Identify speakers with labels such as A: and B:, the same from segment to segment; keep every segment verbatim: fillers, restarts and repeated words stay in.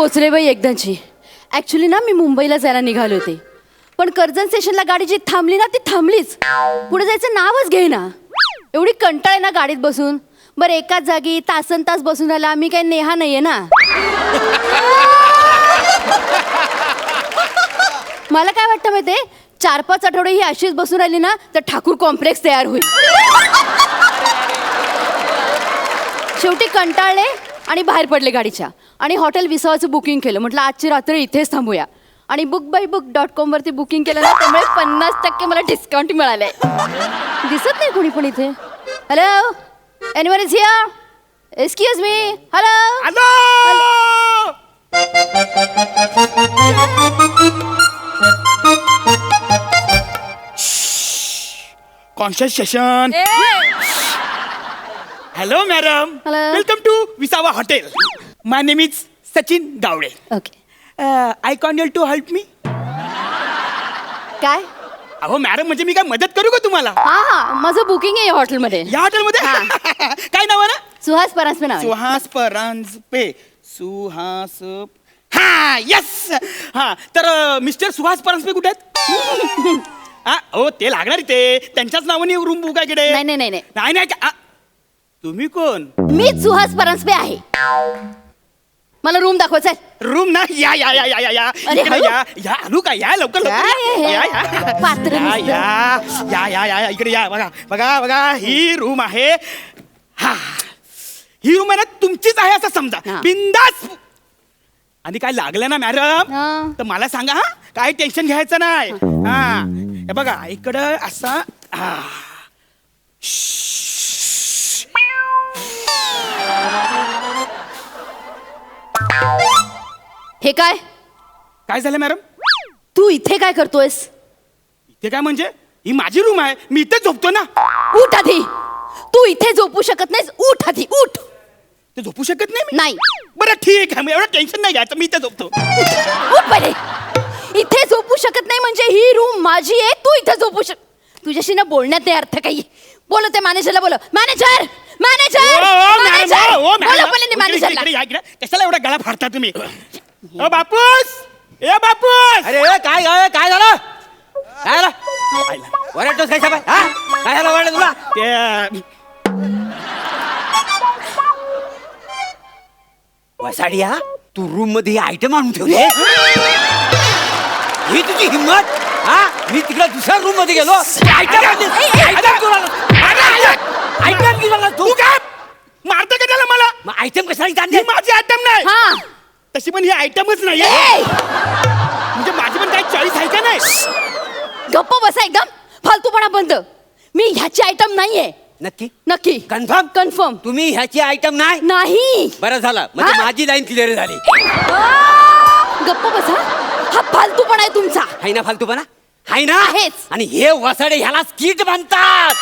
A: पोचले बाई एकदाची. ॲक्च्युली ना मी मुंबईला जायला निघाले होते, पण कर्जत स्टेशनला गाडी जी थांबली ना ती थांबलीच. पुढे जायचं नावच घेईना. एवढी कंटाळ आहे ना गाडीत बसून. बरं एकाच जागी तासन तास बसून राहिला. मी काही नेहा नाहीये ना. मला काय वाटतं माहिती आहे, चार पाच आठवडे ही अशीच बसून राहिली ना तर ठाकूर कॉम्प्लेक्स तयार होईल. शेवटी कंटाळले आणि बाहेर पडले गाडीच्या आणि हॉटेल विसावाचं बुकिंग केलं. म्हटलं आजची रात्र इथेच थांबूया. आणि book by book dot com वरती बुकिंग केलं ना, त्यामुळे पन्नास टक्के मला डिस्काउंट मिळालंय. दिसत नाही कोणी पण इथे. Hello, anyone is here? Excuse me. Hello
B: hello. Conscious session. Hello madam,
A: Hello.
B: Welcome to Visava hotel. My name is Sachin Gawade.
A: Okay.
B: I can your to help me.
A: काय?
B: अहो मॅडम, म्हणजे मी काय मदत करू का तुम्हाला?
A: हा हा, माझं बुकिंग आहे या हॉटेलमध्ये.
B: या हॉटेलमध्ये काय नाव आहे ना?
A: सुहास परांजपे नाव आहे.
B: सुहास परांजपे. सुहास. हा यस. हा तर मिस्टर सुहास परांजपे कुठे आहेत? हा हो, ते लागणार इथे. त्यांच्याच नावाने रूम बुक आहे इकडे.
A: नाही नाही नाही नाही.
B: नाही नाही का- आ, तुम्ही कोण?
A: मीच सुहास परांजपे आहे. मला रूम दाखवायचा आहे.
B: रूम ना. या या या या या या
A: अरे,
B: इकडे
A: हळू.
B: या या आलू का? या लवकर
A: काय
B: लवकर
A: हे?
B: या या
A: पात्र
B: या
A: नुसतं.
B: या या या या इकडे या. बघा बघा बघा, ही रूम आहे. हा, ही रूम आहे ना तुमचीच आहे असं समजा.
A: हा.
B: बिंदास. आणि काय लागलं ना मॅडम
A: हा.
B: तर मला सांगा. हा, काय टेन्शन घ्यायचं नाही. हा हे बघा इकडं असा. हा.
A: हे काय?
B: काय झालं मॅडम?
A: तू इथे काय करतोयस?
B: इथे काय म्हणजे? ही माझी रूम आहे, मी इथे झोपतो ना.
A: उठ आधी. तू इथे झोपू शकत नाहीस. उठ आधी, उठ.
B: ते झोपू शकत नाही मी?
A: नाही.
B: बरं ठीक आहे, मग एवढं टेन्शन नाही घ्यायचं, मी इथे झोपतो.
A: उठ पहिले. इथे झोपू शकत नाही म्हणजे ही रूम माझी आहे. तू इथे झोपू शक. तुझ्याशी ना बोलण्यात नाही अर्थ काही. बोल ते मॅनेजरला. बोल मॅनेजर. मॅनेजर.
B: ओ, ओ, मॅडम,
A: मॅनेजर.
B: ओ, ओ, मॅडम.
A: बोला पहिले
B: इकडे,
A: मॅनेजरला.
B: इकडे या, इकडे. कशाला एवढा गळा फाडता तुम्ही? ओ बापूस, ए बापूस.
C: अरे ए, काय काय काय झालं? काय झालं? वरडतोस काय साहेब? हा? काय झालं वरडलं तुला?
B: ते
C: वसाडिया, तू रूम मध्ये आयटम आणून ठेवले. ही तुझी हिंमत? हा, मी तिकडे दुसऱ्या रूम मध्ये गेलो. आयटम आयटम तुला आयटम घेऊन तू
B: तू काय मारतो का त्याला मला?
C: मग आयटम कशाला
B: ही
C: आणले?
B: माझी आयटम नाही.
A: हा.
B: तशी पण ही आयटमच नाही
A: ए,
B: म्हणजे माझी पण काही चॉईस आहे का नाही?
A: गप्प बसा एकदम. फालतूपणा बंद. मी ह्याची आयटम नाहीये.
C: नक्की
A: नक्की.
C: Confirm
A: confirm.
C: तुम्ही ह्याची आयटम नाही?
A: नाही.
C: बरं झालं, म्हणजे
A: हा?
C: माझी लाईन क्लिअर झाली.
A: आ, गप्प बसा. हा फालतूपणा आहे तुमचा.
C: हाय ना फालतूपणा? हाय ना?
A: आहेच.
C: आणि हे वसाडे ह्याला स्किट म्हणतात.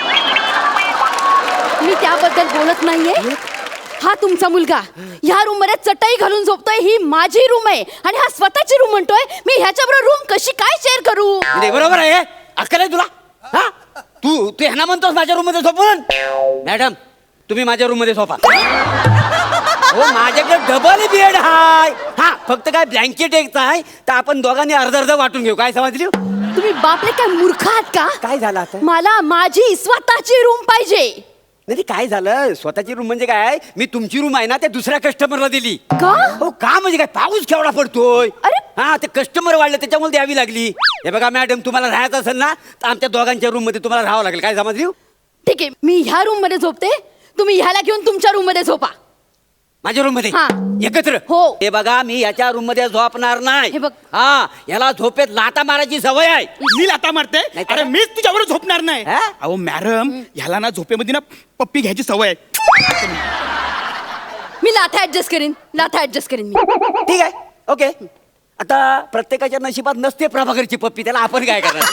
A: मी त्याबद्दल बोलत नाहीये. हा तुमचा मुलगा ह्या रूम मध्ये चटई घालून झोपतोय. ही माझी रूम आहे आणि हा स्वतःची रूम म्हणतोय. मी ह्याच्याबरोबर रूम कशी काय शेअर करू?
C: म्हणजे बरोबर आहे. अक्कल आहे तुला? हा, तू तू ह्यांना म्हणतोस माझ्या रूम मध्ये झोपून? मॅडम, तुम्ही माझ्या रूम मध्ये झोपा. हो, माझ्याकडे डबल बेड हाय. हा, फक्त काय ब्लँकेट एकच आहे, तर आपण दोघांनी अर्ध अर्ध वाटून घेऊ. काय समजली?
A: तुम्ही बापले काय मूर्ख आहात का?
C: काय झालं आता?
A: मला माझी स्वतःची रूम पाहिजे.
C: नाही काय झालं? स्वतःची रूम म्हणजे काय? मी तुमची रूम आहे ना त्या दुसऱ्या कस्टमरला दिली.
A: का?
C: हो, का म्हणजे काय? पाऊस केवढा पडतोय.
A: अरे.
C: हा, ते कस्टमर वाढले त्याच्यामुळे द्यावी लागली. हे बघा मॅडम, तुम्हाला राहायचं असेल ना तर आमच्या दोघांच्या रूम मध्ये तुम्हाला राहावं लागेल. काय समजली?
A: ठीक आहे, मी ह्या रूम मध्ये झोपते. तुम्ही ह्याला घेऊन तुमच्या रूम मध्ये झोपा.
C: माझ्या रूम मध्ये
A: हा.
C: एकत्र?
A: हो.
C: हे बघा, मी याच्या रूम मध्ये झोपणार नाही.
A: हे बघ.
C: हा, याला झोपेत लाता मारायची सवय आहे.
B: मी लाता मारते?
C: नाही तर
B: अरे
C: काय?
B: मीच तुझ्यावर झोपणार नाही.
C: हा?
B: अहो मॅडम, ह्याला ना झोपेमध्ये ना पप्पी घ्यायची सवय आहे.
A: मी लाथा ऍडजस्ट करीन. लाथा ऍडजस्ट करीन मी.
C: ठीक आहे, ओके. आता प्रत्येकाच्या नशिबात नसते प्रभाकरची पप्पी, त्याला आपण काय करणार?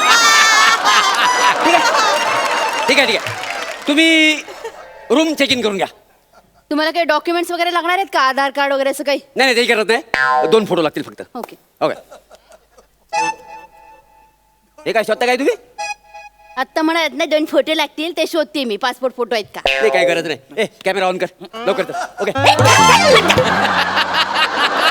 C: ठीक आहे ठीक आहे ठीक आहे तुम्ही रूम चेक इन करून घ्या.
A: तुम्हाला काही डॉक्युमेंट्स वगैरे लागणार आहेत का? आधार कार्ड वगैरे असं काही?
C: नाही नाही ते करत नाही. दोन फोटो लागतील फक्त.
A: ओके.
C: ओके. हे काय शोधता काय तुम्ही?
A: आत्ता म्हणत ना दोन फोटो लागतील, ते शोधते मी. पासपोर्ट फोटो आहेत का?
C: नाही काय गरज नाही. ए कॅमेरा ऑन कर लवकर. ओके.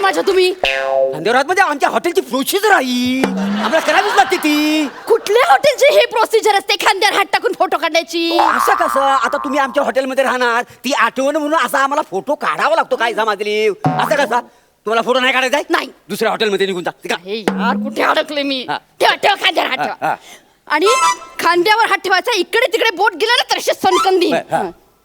A: माझ्या तुम्ही?
C: खांद्यावर हात म्हणजे आमच्या हॉटेलची प्रोसिजर आहे, आम्हाला करावीच लागते ती.
A: कुठल्या हॉटेलची हे प्रोसिजर असते खांद्यावर हात टाकून फोटो काढण्याची?
C: असं कसं? आता तुम्ही आमच्या हॉटेलमध्ये राहणार, ती आठवण म्हणून असा आम्हाला फोटो काढावा लागतो काय समाजली? असं कसा? तुम्हाला फोटो नाही काढायचा आहे?
A: नाही.
C: दुसऱ्या हॉटेलमध्ये निघून जा. ठीक आहे?
A: हे यार कुठे अडकले मी?
C: हा.
A: ठेवा ठेवा खांद्यावर हात
C: हा,
A: ठेवा.
C: हा.
A: आणि खांद्यावर हात ठेवायचा, इकडे तिकडे बोट गेला ना तर अशी सनकंदी.
C: हा.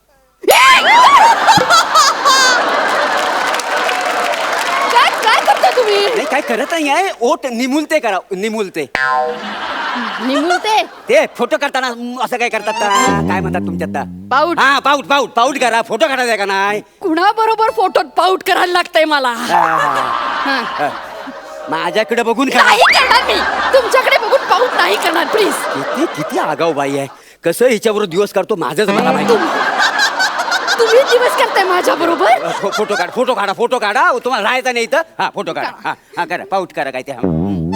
A: काय काय करता तुम्ही?
C: नाही काय करत नाही आहे, ओठ निमुलते करा, निमुलते.
A: निमुळते
C: ते फोटो करताना म, असं काय करतात का? काय म्हणतात तुमच्यात?
A: पाऊट.
C: हा पाऊट पाऊट पाऊट करा, फोटो काढायचा का नाही?
A: कुणा बरोबर फोटोत पाऊट करायला लागतंय मला?
C: हा, हा,
A: हा.
C: हा. माझ्याकडे बघून करा.
A: नाही करणार मी, तुमच्याकडे बघून पाऊट नाही करणार प्लीज.
C: किती किती आगाऊ बाई आहे, कसं हिच्याबरोबर दिवस करतो माझंच मला माहिती.
A: तुम्ही दिवस करताय माझ्या बरोबर?
C: फो- फोटो काढ, फोटो काढा, फोटो काढा. तुम्हाला राहायचं नाही इथं. हा फोटो काढा. हा हा करा, पाऊट करा काय ते. हा.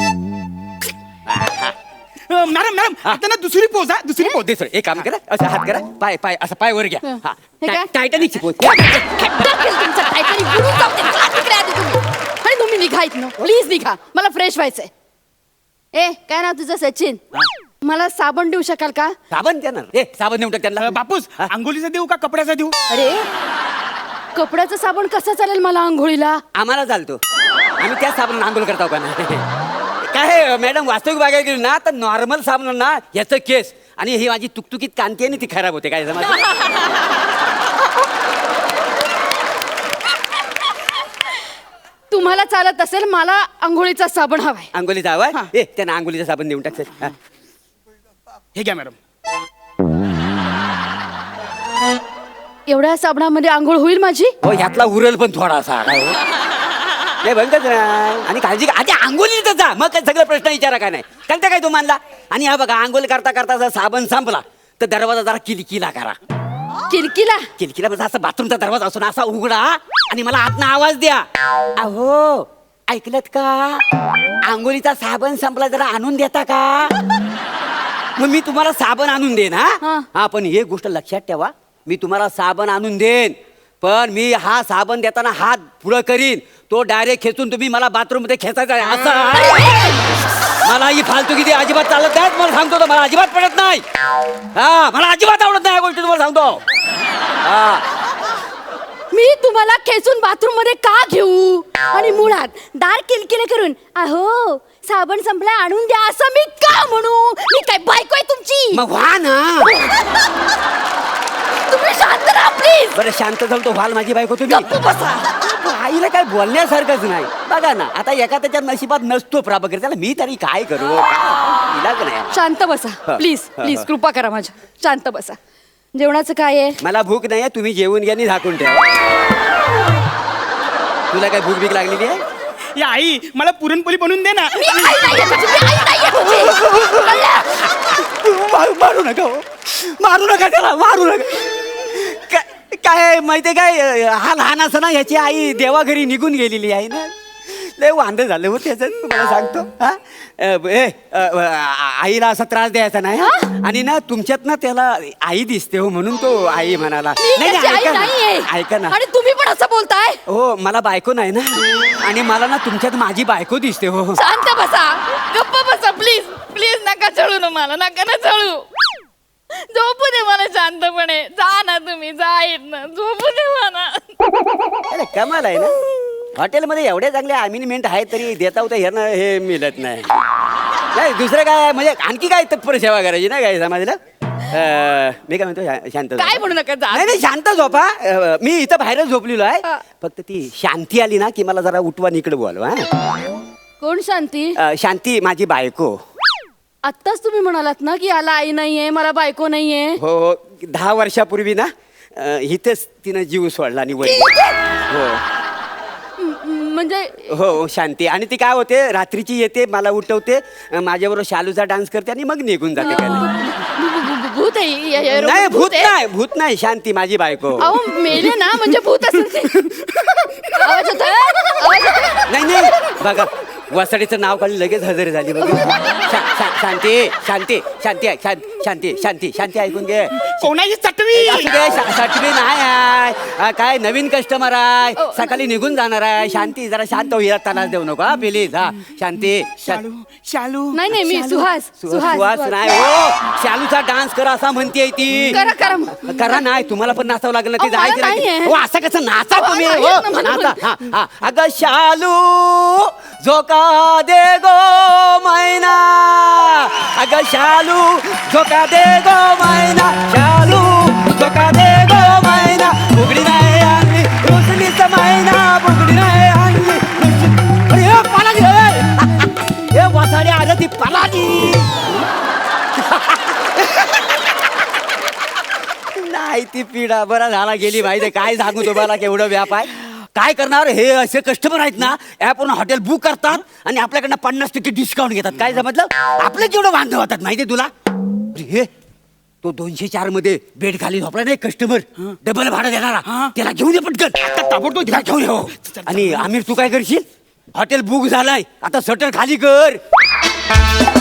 B: अ, मॅडम मॅडम आता ना दुसरी पोज हा दुसरी पोज.
C: दुसरं एक काम करा, असं हात करा, पाय पाय असं पाय वर घ्या. हा
A: हे काय?
C: टायटॅनिकची पोच.
A: तुमचं टायटॅनिक बुडून जाऊ दे. चला तिकडे आधी तुम्ही. आणि तुम्ही निघा इथनं, प्लीज निघा, मला फ्रेश व्हायचंय. ए काय नाव तुझं? सचिन. मला साबण देऊ शकाल का?
C: साबण देणार? ए साबण देऊन टाक
B: अ,
C: त्यांना.
B: बापूस आंघोलीचा देऊ का कपड्याचा देऊ?
A: अरे कपड्याचं साबण कसं चालेल मला आंघोळीला?
C: आम्हाला चालतो, आम्ही त्याच साबण आंघोळ करतो का नाही? काय मॅडम, वास्तविक बघायला गेली ना तर नॉर्मल साबण ना याचं केस आणि ही माझी तुकतुकीत कांती आहे ना ती खराब होते. काय समज?
A: तुम्हाला चालत असेल, मला आंघोळीचा साबण हवाय.
C: आंघोलीचा हवाय?
A: हा.
C: ए त्यांना आंघोलीचं साबण देऊन टाक. हा.
B: हे घ्या मॅडम.
A: एवढ्या साबणामध्ये आंघोळ होईल माझी?
C: हो ह्यातला उरल पण थोडासा. काय हो? नाही बघतच ना. आणि काळजी घ्या. आधी आंघोलीतच जा, मग काय सगळं प्रश्न विचारा का नाही? कळतं काय तुम्हाला? आणि हा बघा, आंघोळ करता करता जर साबण संपला तर दरवाजा जरा किलकिला करा.
A: किलकिला?
C: किलकिला म्हणजे असं बाथरूमचा दरवाजा असून असा उघडा आणि मला आतनं आवाज द्या. अहो ऐकलत का? आंघोळीचा साबण संपला, जरा आणून देता का? मग मी तुम्हाला साबण आणून देईन.
A: हा.
C: हा हा पण एक गोष्ट लक्षात ठेवा, मी तुम्हाला साबण आणून देईन, पण मी हा साबण देताना हात पुढं करीन, तो डायरेक्ट खेचून तुम्ही मला बाथरूम मध्ये खेचायचा आहे. असं आहे. मला ही फालतू किती अजिबात चालत नाही, मला सांगतो तो, मला अजिबात पडत नाही. हा मला अजिबात आवडत नाही या गोष्टी, तुम्हाला सांगतो. हा
A: मी तुम्हाला खेचून बाथरूम मध्ये का घेऊ? आणि मुळात दार किलकिले करून अहो साबण संपला आणून द्या असं मी का म्हणू? मी काय बायको आहे तुमची?
C: मग व्हा ना.
A: तुम्ही शांत राहा प्लीज.
C: बरं शांत झालो तो व्हाल माझी बायको तुम्ही.
A: गप्प बसा.
C: आईला काय बोलण्यासारखंच नाही. बघा ना, आता एका त्याच्या नशिबात नसतो प्राबकर, त्याला मी तरी काय करू? काय? इलाज नाही.
A: शांत बसा
C: हा.
A: प्लीज
C: हा,
A: प्लीज
C: हा.
A: कृपा करा माझ्या. शांत बसा. जेवणाचं काय आहे?
C: मला भूक नाही आहे, तुम्ही जेवून घ्या आणि झाकून ठेवा. तुला काय भूक भीक लागलेली आहे?
B: या आई मला पुरणपोळी बनवून दे ना.
A: मी आई नाहीये तुझी, मी आई नाहीये तुझी. कळलं?
C: मारू मारू नका हो. मारू नका त्याला, मारू नका. काय काय माहितीये काय, हा लहान असताना ह्याची आई देवाघरी निघून गेलेली आहे ना, लय वांदे झाले हो त्याचं, तुम्हाला सांगतो. हा अ, ए, अ, आ- आईला असा त्रास द्यायचा नाही हा? आणि ना तुमच्यात ना त्याला आई दिसते हो, म्हणून तो आई म्हणाला.
A: मी
C: नाही,
A: त्याची
C: नाही,
A: आई
C: ऐका ना,
A: नाहीये.
C: ऐका ना.
A: आणि तुम्ही पण असं बोलताय?
C: हो मला बायको नाही ना, आणि मला ना तुमच्यात माझी बायको दिसते हो.
A: शांत बसा, गप्प बसा प्लीज प्लीज. नका चळू ना मला, नका ना चळू. झोपू दे मला शांतपणे. जा ना तुम्ही, जा येत ना, झोपू दे मला.
C: अरे कमाल आहे ना, हॉटेलमध्ये एवढे चांगले अमिनिमेंट आहेत तरी देता होता ह्यांना हे मिळत नाही. नाही दुसरं काय म्हणजे आणखी काय तत्पर सेवा करायची ना काय समाजला. अं, मी काय म्हणतो शा- शांत झोपा.
A: काय म्हणू नका, जा.
C: नाही नाही शांत झोपा. अं, मी इथं बाहेरच झोपलेलो आहे.
A: हा.
C: फक्त ती शांती आली ना की मला जरा उठवा इकडे बोलवा. हा?
A: कोण शांती?
C: अं, शांती माझी बायको.
A: आत्ताच तुम्ही म्हणालात ना की याला आई नाहीये, मला बायको नाहीये.
C: हो हो दहा वर्षापूर्वी ना अं, इथेच तिनं जीव सोडला आणि वळली. हो
A: म- म्हणजे
C: हो शांती. आणि ती काय होते, रात्रीची येते, मला उठवते, अं, माझ्याबरोबर शालूचा डान्स करते आणि मग निघून जाते. काय नाही.
A: भू- भू- भू- भू- भूत आहे या- या-
C: नाही भूत
A: आहे?
C: नाही, भूत नाही, शांती माझी बायको.
A: अहो मेले ना, म्हणजे भूत असेल ते. आवाज येतोय? आवाज येतोय?
C: नाही नाही बघा, वसाडीचं नाव काढून लगेच हजर झाली बघा. शा- शा- शांती शांती शांती ऐक, शां- शांती शांती शांती ऐकून घे
B: कोणाची चटवी
C: असू दे, शा- सटवी नाही आहे हा, काय नवीन कस्टमर आहे
A: ओ,
C: सकाळी निघून जाणार आहे शांती जरा शांत होईल त्रास देऊ नको हा प्लीज हा शांती शा-
B: शालू शालू
A: नाही नाही मी सुहास
C: सु-
A: सुहास
C: सुहास नाही हो शालूचा डान्स करा असा म्हणते ती
A: करा करा मग.
C: करा नाही तुम्हाला पण नाचावं लागेल ना ते
A: अहो, मला
C: जायचं
A: नाहीये.
C: नाही हो असं कसं नाचा
A: अहो,
C: तुम्ही
A: नाहीये
C: हो
A: ना, मला
C: नाचा
A: पण.
C: हा हा अगं शालू झोका दे गो मैना अगं शालू झोका दे गो मैना शालू झोका दे गो मैना बुगडी नाही आणली रुसलीच मैना बुगडी नाही आणली रुसली- अरे, हे पालाजी हे. हे वासाडी आलं ती पालाजी नाही ती पिढा बरा झाला गेली माहिती काय सांगू तुम्हाला केवढं व्याप आहे काय करणार हे असे कस्टमर आहेत ना ॲपवरून हॉटेल बुक करतात आणि आपल्याकडनं पन्नास टक्के डिस्काउंट घेतात काय समजलं आपलं केवढं बांधव होतात माहिती तुला अरे हे तो दोनशे चार मध्ये बेड खाली झोपला नाही कस्टमर डबल भाडं देणारा
B: हा.
C: त्याला घेऊन ये पटकन
B: आता ताबडतोब
C: त्याला घेऊन ये हो. आणि आमिर तू काय करशील हॉटेल बुक झालाय आता शटर खाली कर